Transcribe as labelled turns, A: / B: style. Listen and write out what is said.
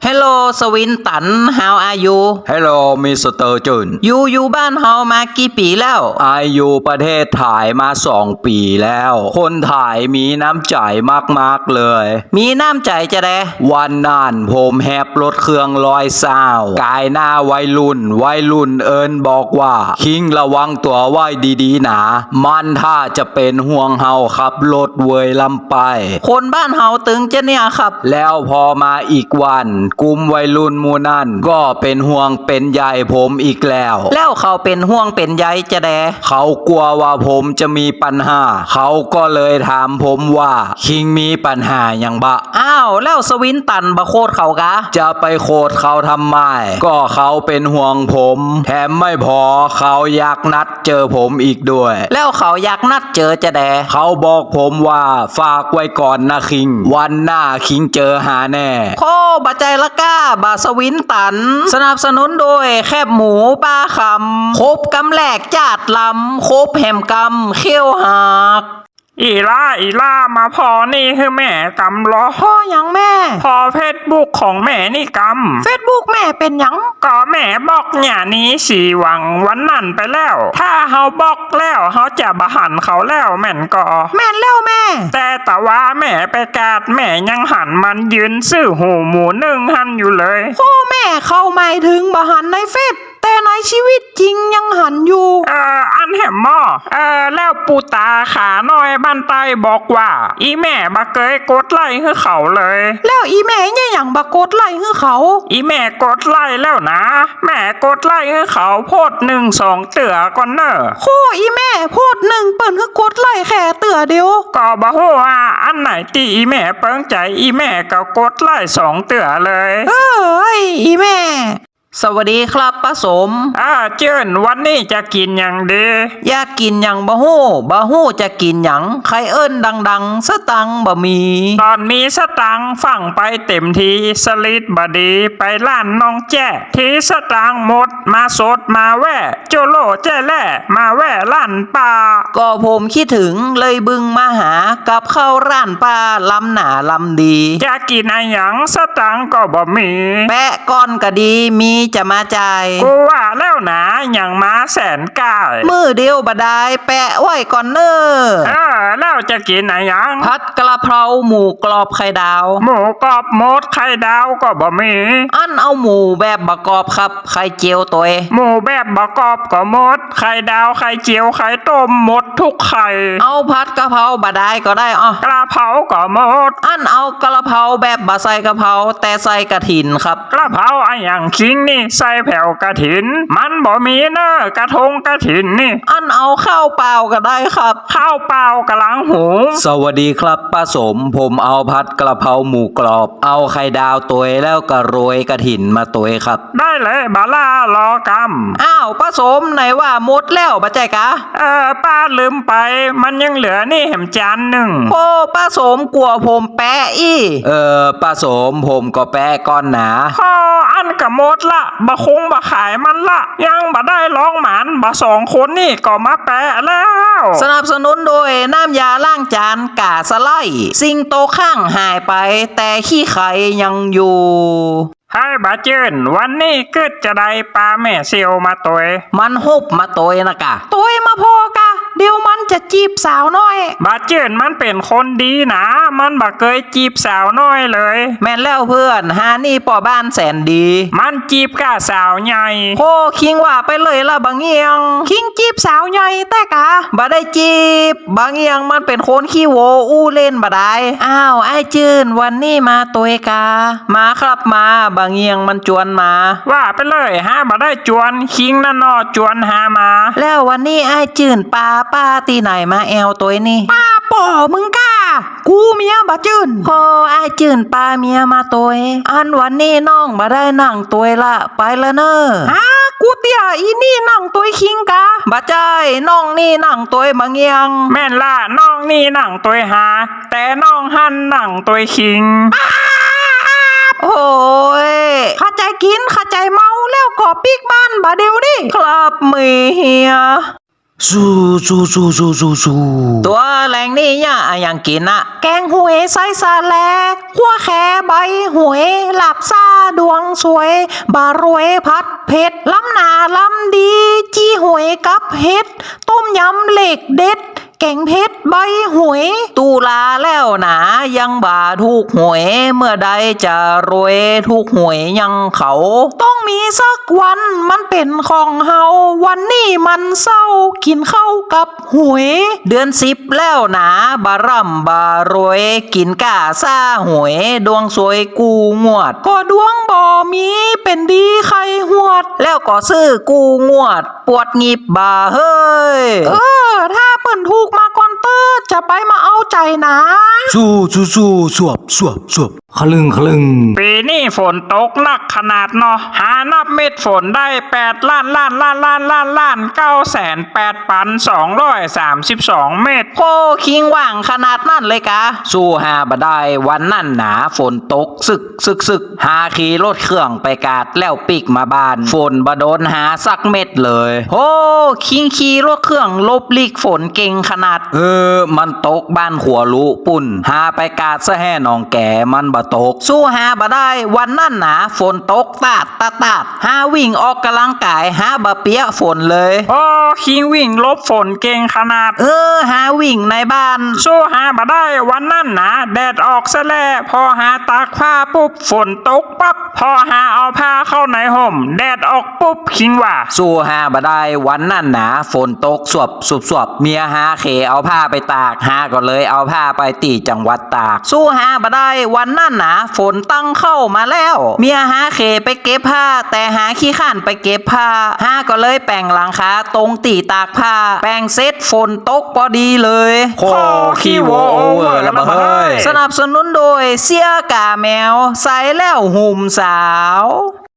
A: Hello สวินตัน How are you
B: Hello มิสเตอร์จุน
A: อยู่บ้านเฮามากี่ปีแล้ว
B: อยู่ประเทศไทยมา2 ปีแล้ว คนไทยมีน้ำใจมากๆเลย
A: มีน้ำใจจะแด
B: วันนั้นผมแฮบรถเครื่อง120กายหน้าวัยรุ่นเอิญบอกว่าคิงระวังตัวไว้ดีๆนะมันถ้าจะเป็นห่วงเฮาขับรถเวยลำไป
A: คนบ้านเฮาตึงจะเนี่ยครับ
B: แล้วพอมาอีกวันกลุ่มวัยรุ่นหมู่นั่นก็เป็นห่วงเป็นใยผมอีกแล้ว
A: เขาเป็นห่วงเป็นใยจะแด
B: เขากลัวว่าผมจะมีปัญหาเขาก็เลยถามผมว่าคิงมีปัญหาอย่างบะ
A: อ้าวแล้วสวินตันบะโคตรเขากะ
B: จะไปโคตรเขาทำไมก็เขาเป็นห่วงผมแถมไม่พอเขาอยากนัดเจอผมอีกด้วย
A: แล้วเขาอยากนัดเจอจะแด
B: เขาบอกผมว่าฝากไว้ก่อนนะคิงวันหน้าคิงเจอหาแน่
A: โคบะใจละก้าบะสวินตันสนับสนุนโดยแคบหมูป้าคำครบกำแหลกจาดลำครบแหมกำเขี้ยวหัก
C: อีล่ามาพอนี่คือแม่กำล้อ
A: พ่อยังแม่
C: พอเฟซบุ๊กของแม่นี่ก
A: ำเฟซบุ๊กแม่เป็นยัง
C: ก็แม่บอกเนี่ยนี้สีหวังวันนั่นไปแล้วถ้าเฮาบอกแล้วเฮาจะบะหันเขาแล้วแม่นก็
A: แม่นแล้วแม่
C: แต่ว่าแม่ไปกาดแม่ยังหันมันยืนซื้อหูหมูนึ่งหันอยู่เลย
A: โอ้แม่เข้าหมายถึงบะหันในเฟซแต่ในชีวิตจริงยังหันอยู่
C: อันแหมหม้อแล้วปูตาขาน้อยบ้านใต้บอกว่าอีแม่บักเกยกดไล่ให้เขาเลย
A: แล้วอีแม่เนี่ยอย่างบักกดไล่ให้เขา
C: อีแม่กดไล่แล้วนะแม่กดไล่ให้เขาโพด1-2เตือก่อนเนอะ
A: โคอีแม่โพด1เปิ้นคือกดไล่แค่เตือเดียว
C: ก็บ่ฮู้ว่าอันไหนที่อีแม่เปิ้งใจอีแม่ก็กดไล่2เตือเลย
A: อีแม่สวัสดีครับป้าสม
C: เจิ้นวันนี้จะกินอย่างดี
A: อยากกินอย่างบะฮู้จะกินอย่างใครเอิ้นดังๆสตังบะมี
C: ตอนมีสตังฟังไปเต็มทีสลิดบดีไปล้านน้องแจ้ทีสตังหมดมาสดมาแว่โจโลแจ้แล่มาแว่ล้านป่า
A: ก็ผมคิดถึงเลยบึงมาหากับข้าวร้านป้าลำหนาลำดี
C: จะกินอะไรอย่างสตังก็บ่มี
A: แปะก้อนก็ดีมีจะมาจ่าย
C: กูว่าแล้วนะอย่างมาแสนก้า
A: มือเดียวบดายแปะไว้ก่อนเนอ
C: แล้วจะกินอะไรอย่าง
A: ผัดกะเพราหมูกรอบไข่ดาว
C: หมูกรอบมดไข่ดาวก็บ่มี
A: อันเอาหมูแบบบะกรอบครับไข่เจียวตัว
C: หมูแบบบะกรอบก็หมดไข่ดาวไข่เจียวไข่ต้มหมดทุกไข่
A: เอาผัดกะเพราบดายก็ได้
C: กะเพราก็หมด
A: อันเอากะเพราแบบบะใส่กะเพราแต่ใส่กระถินครับ
C: กะเพราไอ้อย่างคิงนี่ใส่แผ่วกระถินมันบ่มีเนอะกระทงกระถินนี่
A: อันเอาข้าวเปล่าก็ได้ครับ
C: ข้าวเปล่ากะลังหู
B: สวัสดีครับป้าสมผมเอาผัดกระเพราหมูกรอบเอาไข่ดาวตัวแล้วก็โรยกระถินมาตัวครับ
C: ได้เลยบาล่ารอก
A: ำอ้าวป้าสมไหนว่าหมดแล้วบะใจกะ
C: ป้าลืมไปมันยังเหลือนี่แหมจานหนึ่ง
A: โอ้ป้าสมกลัวผมแปะ
B: ป้าสมผมก็แปะก้อนหนา
C: อันกะหมดละบะคงบะขายมันละยังบะได้ร้องหมันบะ2 คนนี่ก็มาแปะแล้ว
A: สนับสนุนโดยน้ำยาล้างจานกาสไลสิ่งโตข้างหายไปแต่ขี้ไข่ยังอยู่
C: ให้บาเจิ้นวันนี้เกิดจะได้ปลาแม่เซียวมาตัว
A: มันฮุบมาตัวนะกะตัวมาพอกะเดี๋ยวมันจะจีบสาวน้อย
C: บาเจิ้นมันเป็นคนดีนะมันบ่เคยจีบสาวน้อยเลย
A: แม่นแล้วเพื่อนหานี่ป่อบ้านแสนดี
C: มันจีบกะสาวใหญ่
A: โคคิงว่าไปเลยละบางเอียงคิงจีบสาวใหญ่แต่กะบ่ได้จีบบางเอียงมันเป็นคนขี้โวอู้เล่นบ่ได้อ้าวไอ้จื้นวันนี้มาตัวกะมาครับมาบางเอียงมันจวนมา
C: ว่าไปเลยฮะบ่ได้จวนคิงนั่นนอจวนหามา
A: แล้ววันนี้ไอ้จื่นป้าตีไหนมาแอวตัวนี่ป้าป่อมึงก้ากูเมียบ่จื่นพอไอ้จื่นป้าเมียมาตัวอันวันนี้น้องบ่ได้นั่งตัวละไปละเนอะกูเตี้ยอีนี่นั่งตัวคิงกะบ่ใจน้องนี่นั่งตัวบางเอียง
C: แม่นล่ะน้องนี่นั่งตัวหาแต่น้องหันนั่งตัวคิง
A: โอ้ยข้าใจกินข้าใจเมาแล้วก็ปีกบ้านบาเดียวดิครับเมีย
B: สู้
A: ตัวแรงนี่เนี่ยอย่างกินอะแกงหวยไส้ซาแลกขั่วแคใบหวยหลับซาดวงสวยบารวยพัดเพชรล้ำหนาล้ำดีจีหวยกับเห็ดต้มยำเหล็กเด็ดแกงเพชรใบหวยตุลาแล้วหนายังบ่าถูกหวยเมื่อใดจะรวยถูกหวยยังเขา ต้องมีสักวันมันเป็นของเฮาวันนี้มันเศร้ากินข้าวกับหวยเดือน10แล้วหนาบาร่ำบารวยกินก้าซ่าหวยดวงสวยกูงวดก็ดวงบ่มีเป็นดีใครหวด แล้วก็ซื้อกูงวด ปวดงีบบ่าเฮ้ยถ้าเปิ้นถูกมาก่อนเตอร์จะไปมาเอาใจนะ
B: สู้สู้สู้สวบสวบสวบคลึงคลึง
C: ปีนี้ฝนตกหนักขนาดเนาะหานับเม็ดฝนได้8,982,232 เม็ด
A: โคคิงว่างขนาดนั่นเลยกะ
B: สู้หาบ่ได้วันนั่นหนาฝนตกซึกหาขี่รถเครื่องไปกาดแล้วปิกมาบ้านฝนบ่โดนหาสักเม็ดเลย
A: โอ้คิงขี่รถเครื่องลบลีกฝนเก่งขนาด
B: มันตกบ้านขัวลุปุ่นหาไปกาดซะแห่หนองแก่มันบ่ตก
A: สู้หาบ่ได้วันนั่นหนาฝนตกตาดหาวิ่งออกกำลังกายหาบ่เปียกฝนเลย
C: โอ้คิงวิ่งลบฝนเก่งขนาด
A: หาวิ่งในบ้าน
C: สู้หาบ่ได้วันนั่นนะแดดออกซะแล้วพอหาตากผ้าปุ๊บฝนตกปั๊บพอหาเอาผ้าเข้าในห่มแดดออกปุ๊บคิงว่า
B: สู้หาบ่ได้วันนั่นหนาฝนตกสวบเมียหาเขเอาผ้าไปตากหาก็เลยเอาผ้าไปตีจังหวัดตาก
A: สู้หาบ่ได้วันนั่นหนาฝนตั้งเข้ามาแล้ว เมียหาเขไปเก็บผ้า แต่หาขี้ข้านไปเก็บผ้าหาก็เลยแปลงหลังคาตรงตีตากผ้า แปลงเสร็จฝนตกพอดีเลย
B: โคขี้โวโอเวอร์แล้วบ่เฮ้ย
A: สนับสนุนโดยเสียกาแมวใส่แล้วหุ่มสาว